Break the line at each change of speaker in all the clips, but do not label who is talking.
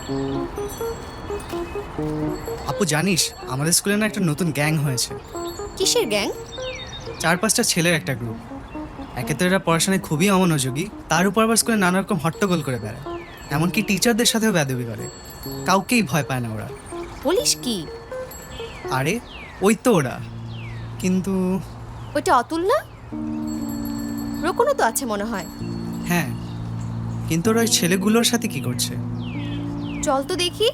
আপু জানিস আমাদের স্কুলে না একটা নতুন গ্যাং হয়েছে।
কিসের গ্যাং?
4-5টা ছেলের একটা গ্রুপ। একে তো এরা পড়াশোনায় খুবই অমনোযোগী, তার উপর আবার স্কুলে নানা রকম হট্টগোল করে বেড়ায়, এমনকি টিচারদের সাথেও বেয়াদবি করে। কাউকেই ভয় পায় না ওরা।
বলিস কি?
আরে ওই তো ওরা। কিন্তু
ওইটা অতুল না? রোকনও তো আছে মনে হয়।
হ্যাঁ, কিন্তু ওরা ওই ছেলেগুলোর সাথে কি করছে?
চল তো দেখি।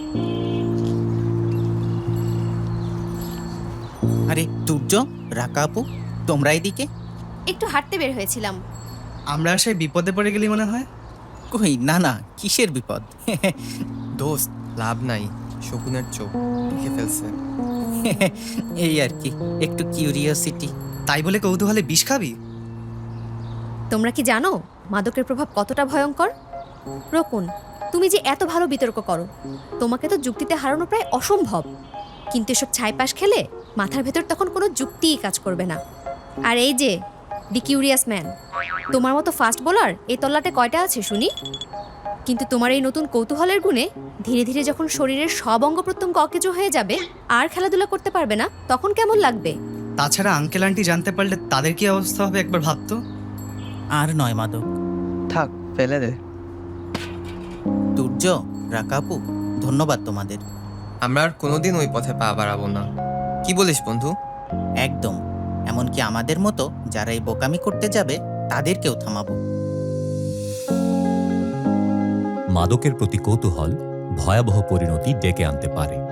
আরে তুর্য, রাকা আপু, তোমরা এদিকে?
একটু হাঁটতে বের হয়েছিলাম।
আমরা আসায় বিপদে পড়ে গেলি মনে হয়।
কই না না, কিসের বিপদ?
দোস্ত লাভ নাই, শকুনের চোখ দেখে ফেলছে।
এই আর কি, একটু কিউরিওসিটি।
তাই বলে কৌতূহলে বিষ খাবি?
তোমরা কি জানো মাদকের প্রভাব কতটা ভয়ঙ্কর? রোকন, তুমি যে এত ভালো বিতর্ক করো, তোমাকে তো যুক্তিতে হারানো প্রায় অসম্ভব। কিন্তু এসব ছাইপাশ খেলে মাথার ভেতর তখন কোনো যুক্তিই কাজ করবে না। আর এই যে দি কিউরিয়াস ম্যান, তোমার মতো ফাস্ট বোলার এই তল্লাটে কয়টা আছে শুনি? কিন্তু তোমার এই নতুন কৌতূহলের গুণে ধীরে ধীরে যখন শরীরের সব অঙ্গ প্রত্যঙ্গ অকেজো হয়ে যাবে আর খেলাধুলা করতে পারবে না, তখন কেমন লাগবে?
তাছাড়া আঙ্কেল আন্টি জানতে পারলে তাদের কি অবস্থা হবে একবার ভাবতো।
আর নয় মাদক।
থাক, ফেলে দে।
তুর্য, রাকা আপু, ধন্যবাদ তোমাদের।
আমরা আর কোনোদিন ওই পথে পা বাড়াবো না। কি বলিস বন্ধু?
একদম। এমনকি আমাদের মতো যারা এই বোকামি করতে যাবে তাদেরকেও থামাবো।
মাদকের প্রতি কৌতূহল ভয়াবহ পরিণতি ডেকে আনতে পারে।